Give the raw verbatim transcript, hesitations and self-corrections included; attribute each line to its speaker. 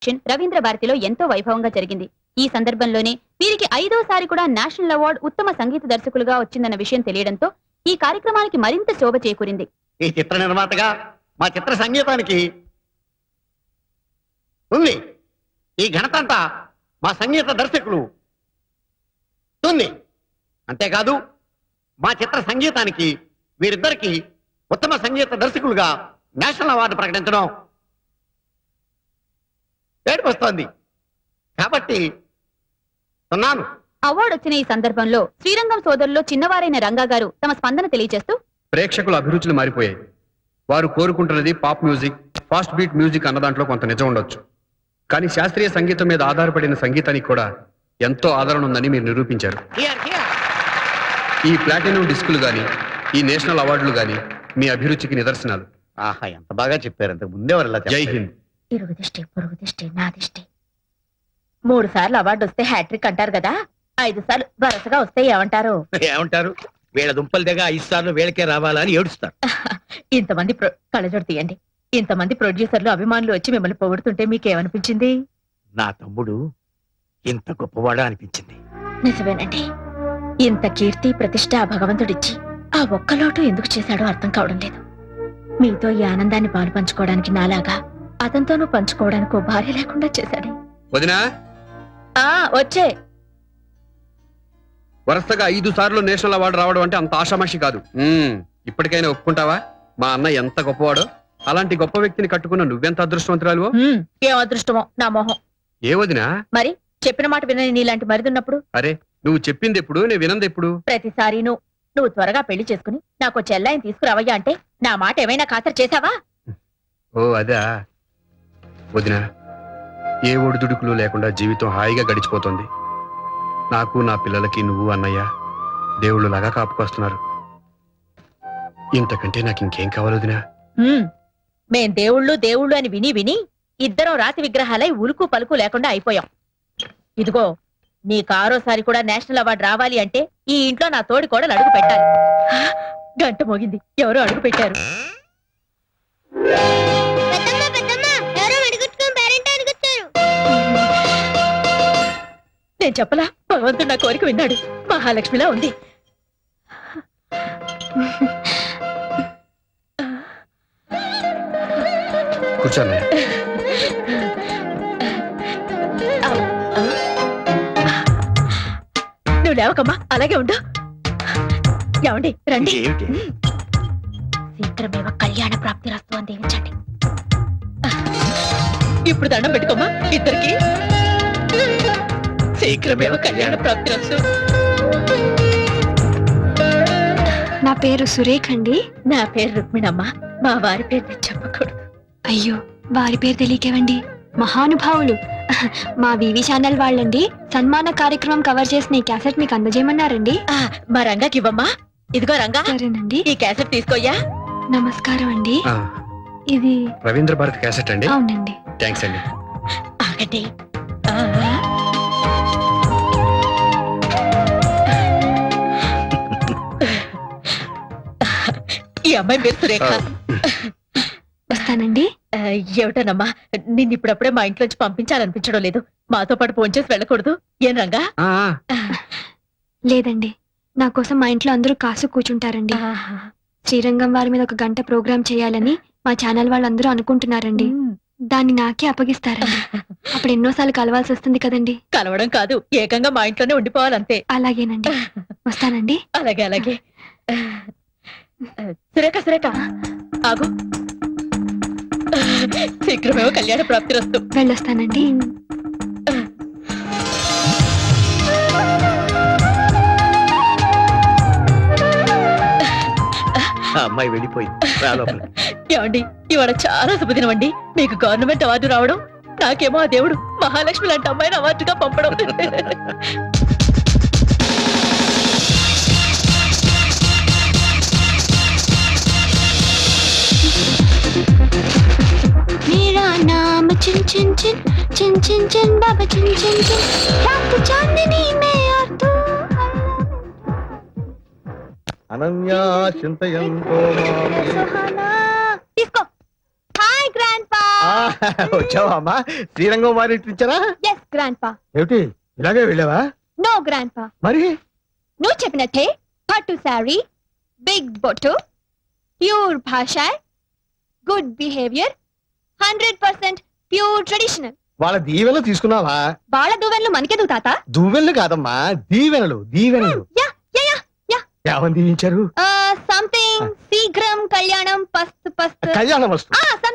Speaker 1: రవీంద్ర భారతిలో ఎంతో వైభవంగా జరిగింది. ఈ సందర్భంలోనే వీరికి ఐదోసారి కూడా నేషనల్ అవార్డు ఉత్తమ సంగీత దర్శకులుగా వచ్చిందన్న విషయం తెలియడంతో ఈ కార్యక్రమానికి మరింత శోభ చేకూరింది.
Speaker 2: ఈ చిత్ర నిర్మాతగా మా చిత్ర సంగీతానికి ఉంది. ఈ ఘనత అంతా మా సంగీత దర్శకులు ఉంది. అంతేకాదు మా చిత్ర సంగీతానికి వీరిద్దరికి ఉత్తమ సంగీత దర్శకులుగా నేషనల్ అవార్డు ప్రకటించడం ఏడుపు వస్తోంది. కాబట్టి ఉన్నాను.
Speaker 1: అవార్డు వచ్చిన ఈ సందర్భంలో శ్రీరంగం సోదరులో చిన్నవారైన రంగా గారు తమ స్పందన తెలియజేస్తూ,
Speaker 3: ప్రేక్షకుల అభిరుచులు మారిపోయాయి. వారు కోరుకుంటున్నది pop music, fast beat music అన్న దాంట్లో కొంత నిజం ఉండొచ్చు. కానీ శాస్త్రీయ సంగీతం మీద ఆధారపడిన సంగీతానికి కూడా ఎంతో ఆదరణ ఉందని మీరు నిరూపించారు. ఈ ప్లాటినం డిస్కులు గాని, ఈ నేషనల్ అవార్డులు గాని మీ అభిరుచికి నిదర్శనాలు.
Speaker 2: ఆహా, ఎంత బాగా చెప్పారు. అంతకు ముందే
Speaker 3: జై హింద్.
Speaker 4: ఇరుగు దిష్టి, పొరుగు దిష్టి, నా దిష్టి. మూడు సార్లు అవార్డు వస్తే హ్యాట్రిక్ అంటారు కదా, ఐదు సార్లు వరుసగా వస్తే ఏమంటారు?
Speaker 2: ఏమంటారు? వీళ్ళ దుంపల దగ్గర ఐదు సార్లు వీళ్ళకే రావాలని ఏడుస్తారు.
Speaker 4: ఇంతమంది కళ్ళజోడు తీయండి. ఇంతమంది ప్రొడ్యూసర్లు అభిమానులు వచ్చి మిమ్మల్ని పొగుడుతుంటే మీకేమనిపించింది?
Speaker 2: నా తమ్ముడు ఇంత గొప్పవాడా అనిపించింది.
Speaker 4: నిజమేనండి. ఇంత కీర్తి ప్రతిష్ట ఆ భగవంతుడిచ్చి ఆ ఒక్క లోటు ఎందుకు చేశాడో అర్థం కావడం లేదు. మీతో ఈ ఆనందాన్ని పాలు పంచుకోవడానికి నాలాగా అతనితోనూ పంచుకోవడానికి ఓ భార్య లేకుండా చేశాడు.
Speaker 3: వదినా,
Speaker 4: ఆ వచ్చే
Speaker 3: వరుసగా ఐదు సార్లు నేషనల్ అవార్డు రావడం అంటే అంత ఆషామాషి కాదు. ఇప్పటికైనా ఒప్పుకుంటావా మా అన్న ఎంత గొప్పవాడో? అలాంటి గొప్ప వ్యక్తిని కట్టుకున్న నువ్వెంత అదృష్టవంతురాలు.
Speaker 4: ఏం అదృష్టమో నా మొహం.
Speaker 3: ఏ వదినా?
Speaker 4: మరి చెప్పిన మాట వినని నీలాంటి మరిదున్నప్పుడు?
Speaker 3: అరే, నువ్వు చెప్పింది ఎప్పుడు, నేను వినంది ఎప్పుడు?
Speaker 4: ప్రతిసారి నువ్వు నువ్వు త్వరగా పెళ్లి చేసుకుని నాకు చెల్లాయిని తీసుకురావయ్యా అంటే నా మాట ఏమైనా ఖాతరు చేశావా?
Speaker 3: ఓ అదా వదినా, ఏ ఒడిదుడుకులు లేకుండా జీవితం హాయిగా గడిచిపోతుంది. నాకు నా పిల్లలకి నువ్వు అన్నయ్య దేవుళ్ళు లాగా కాపుకొస్తున్నారు. ఇంతకంటే నాకు ఇంకేం కావాలి వదినా?
Speaker 4: మేం దేవుళ్ళు దేవుళ్ళు అని విని విని ఇద్దరం రాతి విగ్రహాలై ఉలుకు పలుకు లేకుండా అయిపోయాం. ఇదిగో నీకు ఆరోసారి కూడా నేషనల్ అవార్డు రావాలి అంటే ఈ ఇంట్లో నా తోడి కూడా అడుగు పెట్టాలి. గంట మోగింది, ఎవరో అడుగు పెట్టారు. నేను చెప్పలా, భగవంతుడు నా కోరిక విన్నాడు. మహాలక్ష్మిలా ఉంది.
Speaker 3: కూర్చోండి.
Speaker 4: నువ్వు లేవకమ్మా, అలాగే ఉండు. ఏమండి రండి. శీఘ్రమేవ కళ్యాణ ప్రాప్తి రస్తు అని దీవించండి. ఇప్పుడు దండం పెట్టుకోమ్మా ఇద్దరికి. శీఘ్రమేవ కళ్యాణ ప్రాప్తి రస్తు.
Speaker 5: నా పేరు సురేఖ అండి.
Speaker 4: నా పేరు రుక్మిణమ్మ. మా వారి పేరు నేను చెప్పకూడదు.
Speaker 5: అయ్యో, వారి పేరు తెలియకేవండి. మహానుభావులు మా వివి ఛానల్ వాళ్ళండి. సన్మాన కార్యక్రమం కవర్ చేసిన ఈ క్యాసెట్ మీకు అందజేయమన్నారండి.
Speaker 4: మా రంగాకి ఇవ్వమ్మా. ఇదిగో రంగా.
Speaker 5: సరేనండి.
Speaker 4: ఈ క్యాసెట్ తీసుకోయ్యా.
Speaker 5: నమస్కారం అండి. ఇది
Speaker 3: రవీంద్ర భారతి క్యాసెట్ అండి?
Speaker 5: అవునండి.
Speaker 3: థ్యాంక్స్ అండి.
Speaker 4: ఆగండి. ఈ అమ్మాయి పేరు సురేఖ.
Speaker 5: వస్తానండి.
Speaker 4: ఏమిటోనమ్మా, నిన్ను ఇప్పుడప్పుడే మా ఇంట్లోంచి పంపించాలనిపించడం లేదు. మాతో పాటు ఫోన్ చేసి వెళ్ళకూడదు ఏం రంగా?
Speaker 5: లేదండి, నా కోసం మా ఇంట్లో అందరూ కాసు కూర్చుంటారండి. శ్రీరంగం వారి మీద ఒక గంట ప్రోగ్రామ్ చేయాలని మా ఛానల్ వాళ్ళందరూ అనుకుంటున్నారండి. దాన్ని నాకే అప్పగిస్తారండి. అప్పుడు ఎన్నోసార్లు కలవాల్సి వస్తుంది కదండి.
Speaker 4: కలవడం కాదు, ఏకంగా మా ఇంట్లోనే ఉండిపోవాలంతే.
Speaker 5: అలాగేనండి, వస్తానండి.
Speaker 4: అలాగే అలాగే. సురేఖ సురేఖ ఆగు. శీఘ్రమేమో కళ్యాణ ప్రాప్తి రస్తు.
Speaker 5: వెళ్ళొస్తానండి.
Speaker 2: అమ్మాయి వెళ్ళిపోయింది.
Speaker 4: ఏమండి, ఇవాళ చాలా శుభదినం అండి. మీకు గవర్నమెంట్ అవార్డు రావడం, నాకేమో ఆ దేవుడు మహాలక్ష్మి లాంటి అమ్మాయిని అవార్డుగా పంపడం.
Speaker 5: मेरा नाम चिन चिन चिन चिन चिन चिन बाबा चिन चिन चिन रात चांदनी में और तू
Speaker 2: అనన్యా చింతయంతో
Speaker 1: తీసుకో. Hi grandpa.
Speaker 6: వచ్చావా అమ్మా? శ్రీరంగం వారి ఇచ్చారా?
Speaker 5: ఎస్ గ్రాండ్ పా.
Speaker 6: ఏమిటి ఇలాగే వెళ్ళావా?
Speaker 5: నో గ్రాండ్ పా.
Speaker 6: మరి
Speaker 5: నువ్వు చెప్పినట్టే పట్టు శారీ, బిగ్ బొట్టు, ప్యూర్ భాష, good behaviour, hundred percent pure traditional.
Speaker 6: వాళ్ళ దీవెనలు తీసుకున్నావా?
Speaker 5: వాళ్ళ దువ్వెన్లు మనకెందుకు తాత?
Speaker 6: దువ్వెనలు కాదమ్మా, దీవెనలు దీవెనలు.
Speaker 5: Yeah yeah yeah yeah.
Speaker 6: ఏమని దీవించారు?
Speaker 5: సంథింగ్ శీఘ్రం కళ్యాణం పస్తు పస్తు.
Speaker 6: కళ్యాణం వస్తు.
Speaker 5: ఆ,